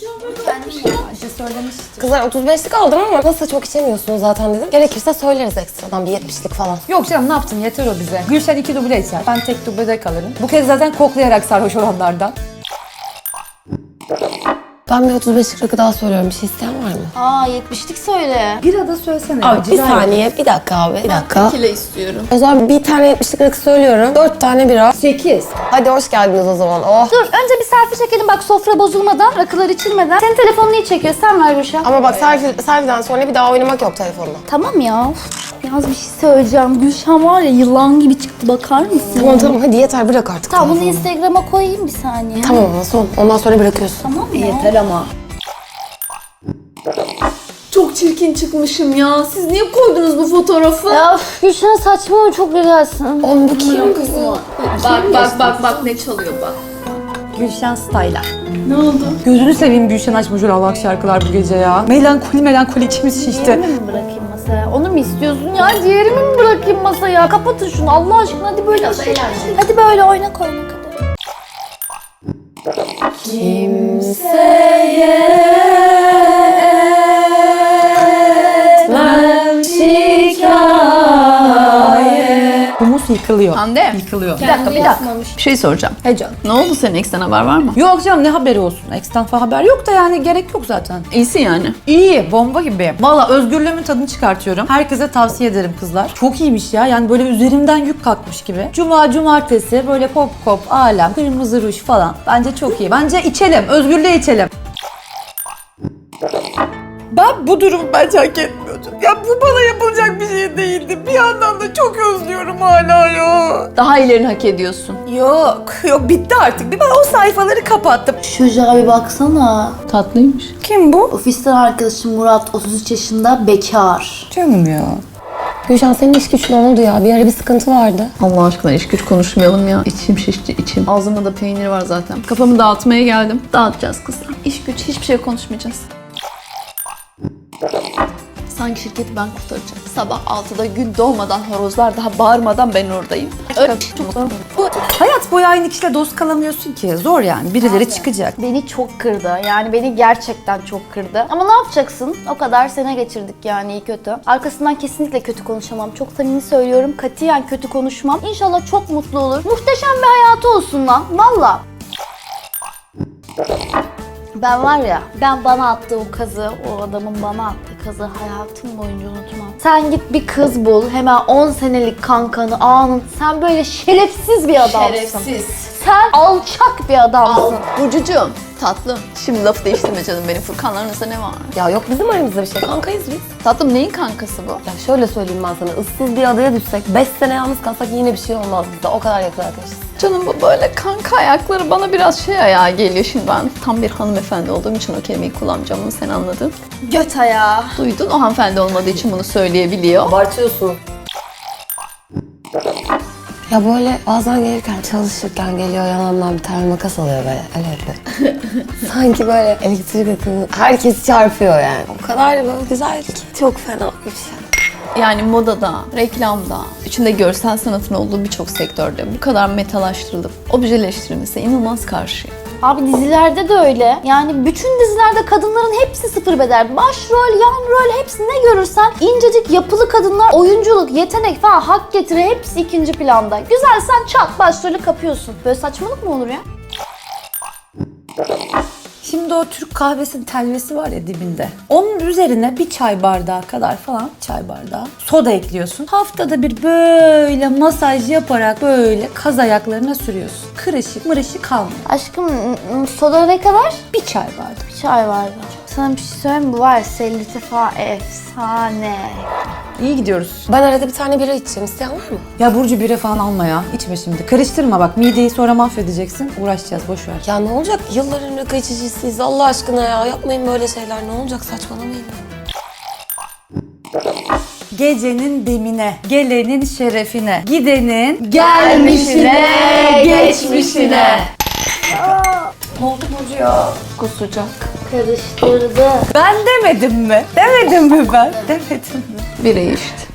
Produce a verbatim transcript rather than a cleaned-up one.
Ayşe söylemişti. Kızlar otuz beşlik aldım ama nasıl çok içemiyorsunuz zaten dedim. Gerekirse söyleriz ekstradan bir yetmişlik falan. Yok canım ne yaptın yeter o bize. Gülşen iki duble içer. Ben tek dublede kalırım. Bu kez zaten koklayarak sarhoş olanlardan. Ben bir otuz beşlik rakı daha söylüyorum. Bir şey isteyen var mı? Aa yetmişlik söyle. Bir ada söylesene. Abi bir saniye, bir dakika abi, bir dakika. Kile istiyorum. O zaman bir tane yetmişlik rakı söylüyorum. Dört tane bira. sekiz. Hadi hoş geldiniz o zaman. Oh. Dur önce bir selfie çekelim bak sofra bozulmadan, rakılar içilmeden. Senin telefonunu iyi çekiyor, sen ver Gülşen. Ama bak selfie, selfie'den sonra bir daha oynamak yok telefonla. Tamam ya. Uf, Yalnız bir şey söyleyeceğim. Gülşen var ya yılan gibi çıktı, bakar mısın? Tamam tamam hadi yeter, bırak artık Tamam bunu telefonu. Instagram'a koyayım bir saniye. Tamam ama son. Ondan sonra bırakıyorsun. Tamam mı? Yeter ama. Çok çirkin çıkmışım ya. Siz niye koydunuz bu fotoğrafı? Ya üf, Gülşen saçma çok güzelsin. Oğlum bu kim kızım? Bak bak bak bak ne çalıyor bak. Gülşen Style'a. Ne oldu? Gözünü seveyim Gülşen açmış öyle Allah'ak şarkılar bu gece ya. Melankoli melankoli içimiz şişti. Diğerimi mi bırakayım masaya? Onu mu istiyorsun ya? Diğerimi mi bırakayım masaya? Kapatın şunu Allah aşkına, hadi böyle. Hadi böyle oynak oynak hadi. Humus yıkılıyor. Hande. Yıkılıyor. Bir dakika bir dakika. Bir şey soracağım. He canım. Ne oldu, senin eksten haber var mı? Yok canım ne haberi olsun. Ex'ten falan haber yok da yani gerek yok zaten. İyisin yani. İyi, bomba gibi. Valla özgürlüğümün tadını çıkartıyorum. Herkese tavsiye ederim kızlar. Çok iyiymiş ya. Yani böyle üzerimden yük kalkmış gibi. Cuma, cumartesi böyle pop pop, alem, kırmızı ruj falan. Bence çok iyi. Bence içelim. Özgürlüğe içelim. Ben bu durumu bence hak etmiyordum. Ya bu bana yapılacak bir şey değildi. Bir yandan da çok özlüyorum hala ya. Daha ilerini hak ediyorsun. Yok, yok bitti artık. Bir ben o sayfaları kapattım. Çocuğa bir baksana. Tatlıymış. Kim bu? Ofisten arkadaşım Murat, otuz üç yaşında, bekar. Canım ya. Gülşen senin iş güç ne oldu ya? Bir ara bir sıkıntı vardı. Allah aşkına iş güç konuşmayalım ya. İçim şişti içim. Ağzımda da peynir var zaten. Kafamı dağıtmaya geldim. Dağıtacağız kızlar. İş güç hiçbir şey konuşmayacağız. Sanki şirketi ben kurtaracağım. Sabah altıda gün doğmadan, horozlar daha bağırmadan ben oradayım. Öyle çok Bu hayat boyu aynı kişiyle dost kalamıyorsun ki. Zor yani. Birileri çıkacak. Beni çok kırdı. Yani beni gerçekten çok kırdı. Ama ne yapacaksın? O kadar sene geçirdik yani iyi kötü. Arkasından kesinlikle kötü konuşamam. Çok samimi söylüyorum. Katiyen kötü konuşmam. İnşallah çok mutlu olur. Muhteşem bir hayatı olsun lan. Valla. Ben var ya, ben bana attığı o kazı, o adamın bana attığı kazı hayatım boyunca unutmam. Sen git bir kız bul, hemen on senelik kankanı anın. Sen böyle şerefsiz bir adamsın. Şerefsiz. Sen alçak bir adamsın. Burcucuğum, tatlım. Şimdi lafı değiştirme canım benim. Furkanlarınızda ne var? Ya yok bizim aramızda bir şey. Kankayız biz. Tatlım neyin kankası bu? Ya şöyle söyleyeyim ben sana. Issız bir adaya düşsek, beş sene yalnız kalsak yine bir şey olmaz bizde. O kadar yakın arkadaşız. Canım bu böyle kanka ayakları bana biraz şey ayağa geliyor. Şimdi ben tam bir hanımefendi olduğum için o kelimeyi kullanacağım, bunu sen anladın. Göt ayağı. Duydun, o hanımefendi olmadığı için bunu söyleyebiliyor. Abartıyorsun. Ya böyle bazen gelirken, çalışırken geliyor yanımdan bir tane makas alıyor böyle. Öyle yapıyor. Sanki böyle elektrik akımı herkes çarpıyor yani. O kadar böyle güzel ki. Çok fena bir şey. Yani modada, reklamda, içinde görsel sanatın olduğu birçok sektörde bu kadar metalaştırılıp objeleştirilmesi inanılmaz karşıyım. Abi dizilerde de öyle. Yani bütün dizilerde kadınların hepsi sıfır bedel. Başrol, yan rol hepsi ne görürsen incecik yapılı kadınlar, oyunculuk, yetenek falan hak getire hepsi ikinci planda. Güzel sen çat başrolü kapıyorsun. Böyle saçmalık mı olur ya? Şimdi o Türk kahvesinin telvesi var ya dibinde. Onun üzerine bir çay bardağı kadar falan, çay bardağı soda ekliyorsun. Haftada bir böyle masaj yaparak böyle kaz ayaklarına sürüyorsun. Kırışık mırışık kalmıyor. Aşkım m- soda ne kadar? Bir çay bardağı. Bir çay vardı. Sana bir şey söyleyeyim mi? Bu var ya sellüte falan efsane. İyi gidiyoruz. Ben arada bir tane bira içeceğim. İsteyen var mı? Ya Burcu bire falan alma ya. İçme şimdi. Karıştırma bak. Mideyi sonra mahvedeceksin. Uğraşacağız. Boş ver. Ya ne olacak? Yılların rakı içicisiyiz. Allah aşkına ya. Yapmayın böyle şeyler. Ne olacak? Saçmalamayın. Gecenin demine, gelenin şerefine, gidenin Gelmişine, geçmişine. Ne oldu Burcu ya? Kusacak. Karıştırdı. Ben demedim mi? Demedim mi ben? Demedim mi? Biri işte.